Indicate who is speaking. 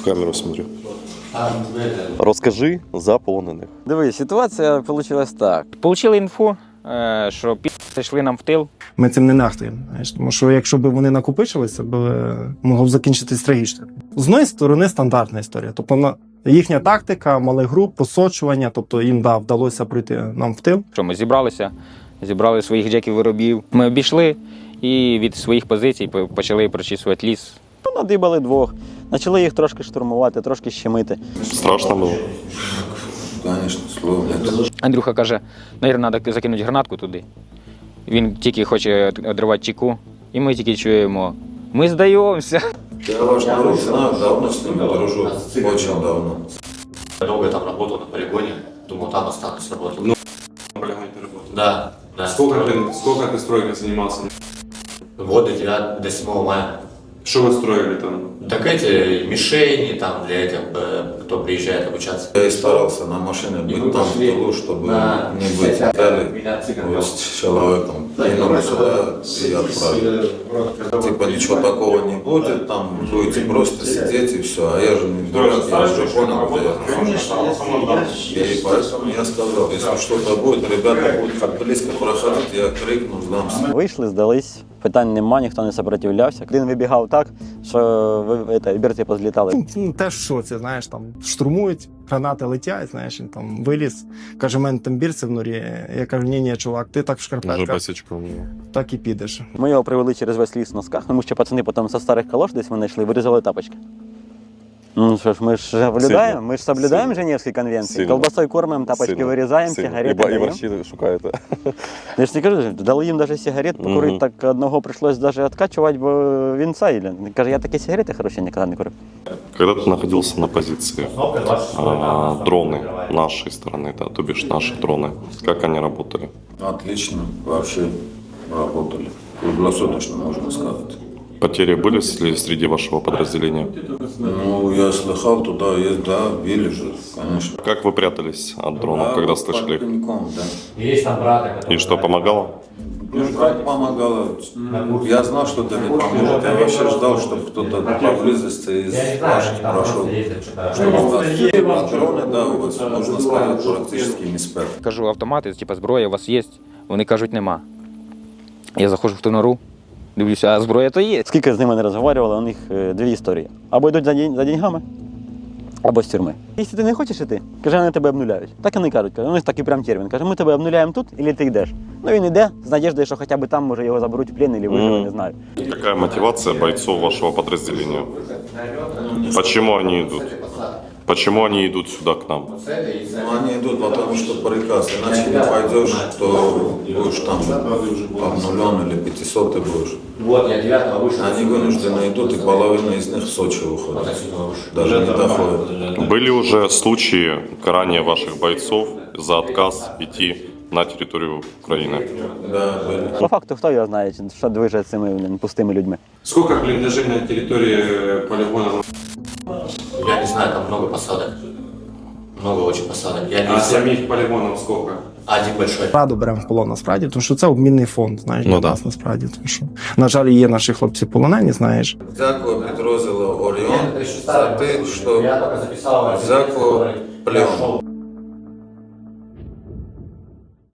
Speaker 1: В камеру смотрю. Розкажи за полонених.
Speaker 2: Дивись, ситуація вийшла так.
Speaker 3: Получили інфу, що йшли нам в тил.
Speaker 4: Ми цим не нахтуємо, знаєш, тому що якщо б вони накопичилися, могло б закінчитись трагічно. З однієї сторони стандартна історія. Тобто їхня тактика, малих груп, посочування, тобто їм вдалося прийти нам в тил.
Speaker 3: Що ми зібралися, зібрали своїх джеків-виробів. Ми обійшли і від своїх позицій почали прочісувати ліс.
Speaker 2: Надибали двох, почали їх трошки штурмувати, трошки щемити.
Speaker 1: Страшно було?
Speaker 5: Конечно, слов нет.
Speaker 3: Андрюха каже, навіть треба закинути гранатку туди. Він тільки хоче одривати чеку, і ми тільки чуємо, ми здаємося.
Speaker 5: Я ваш народ знаю, давно с ними дружу, очень давно.
Speaker 6: Я долго там работал на полигоне, думал, там останусь работать.
Speaker 7: Ну, на полигоне ты работал?
Speaker 6: Да, да.
Speaker 7: Сколько ты стройкой занимался?
Speaker 6: Года 9 до 7 мая.
Speaker 7: Что вы строили там?
Speaker 6: Так эти мишени там для этих, кто приезжает обучаться.
Speaker 5: Я и старался на машине быть там в тылу, чтобы не быть дали вот с человеком. Кинули сюда и отправили. Типа ничего такого не будет, там будете просто сидеть и все. А я же не дурак, я уже понял, где я. И поэтому я сказал, если что-то будет, ребята будут как близко проходить, я крикну, сдамся.
Speaker 2: Вийшли, здались, питань нема, ніхто не сопротивлявся. Один вибігав так, що берці позлітали.
Speaker 4: Теж в шоці, знаєш, там штурмують, гранати летять, знаєш, він там виліз, каже, в мене там бірці в норі. Я кажу, ні, чувак, ти так в
Speaker 1: Уже
Speaker 4: шкарпетках,
Speaker 1: босичком.
Speaker 4: так і підеш.
Speaker 2: Ми його привели через весь ліс в носках, тому що пацани потім зі старих калош десь вони йшли, вирізали тапочки. Ну що ж, ми ж соблюдаємо, ми ж соблюдаємо Женевські конвенції.
Speaker 1: Сильно.
Speaker 2: Колбасою кормимо, тапочки вирізаємо, сигарети
Speaker 1: І
Speaker 2: даємо.
Speaker 1: борщі шукаєте.
Speaker 2: Я ж не кажу, дали їм навіть сигарет покурити, так одного прийшлось навіть відкачувати, бо він цей. Каже, я такі сигарети хороші ніколи не курив.
Speaker 1: Когда ты находился на позиции, дроны нашей стороны, да, то бишь наши дроны, как они работали?
Speaker 5: Отлично, вообще работали. Круглосуточно, можно сказать.
Speaker 1: Потери были среди вашего подразделения?
Speaker 5: Ну, я слыхал, туда есть, да, били же, конечно.
Speaker 1: Как вы прятались от дронов, когда слышали их?
Speaker 5: Под да.
Speaker 6: Есть там брата, который...
Speaker 1: И что, помогало?
Speaker 5: Ну, как помогало. Я знал, что это не поможет. Я вообще ждал, чтобы кто-то поблизости из наших прошел. Чтобы у вас патроны, да, у вас, можно сказать, практически не спят.
Speaker 3: Кажу, автомати, типу, зброя у вас є? Вони кажуть, нема. Я заходжу в ту нору, дивлюся, а зброя то є.
Speaker 2: Скільки з ними не розмовляли, у них дві історії. Або йдуть за деньгами, або з тюрми. Якщо ти не хочеш іти, каже, вони тебе обнуляють. Так і не кажуть. У них такий прям термін. Каже, ми тебе обнуляємо тут, або ти йдеш. Ну він йде з надіждою, що хоча б там, може, його заберуть в плен, або виживе, не знаю.
Speaker 1: Какая мотивация бойцов вашего подразделения? Почему они идут? Почему они идут сюда к нам?
Speaker 5: Ну, они идут, потому что приказ. Иначе не пойдешь, то будешь там обнулен или 500 ты будешь.
Speaker 6: Вот, я 9 вышел.
Speaker 5: Они вынуждены идут, и половина из них в Сочи уходит. Даже не доходит.
Speaker 1: Были уже случаи карания ваших бойцов за отказ идти на территорию Украины?
Speaker 5: Да, были.
Speaker 2: По факту, хто його знає, що движе з цими пустими людьми.
Speaker 7: Сколько блиндажей на территории полигона?
Speaker 6: Я не знаю, там много посадок. Много очень посадок. Я не
Speaker 7: А
Speaker 6: все.
Speaker 7: самих полигонов сколько?
Speaker 6: Один большой.
Speaker 4: Раду беремо в полон насправді, тому що це обмінний фонд, знаєш,
Speaker 1: Ну,
Speaker 4: для
Speaker 1: да.
Speaker 4: нас насправді. Тому що, на жаль, є наші хлопці полонені, знаєш.
Speaker 5: Дякую підрозділу Оріон за те, що
Speaker 6: Я только записал.
Speaker 5: взяв плен.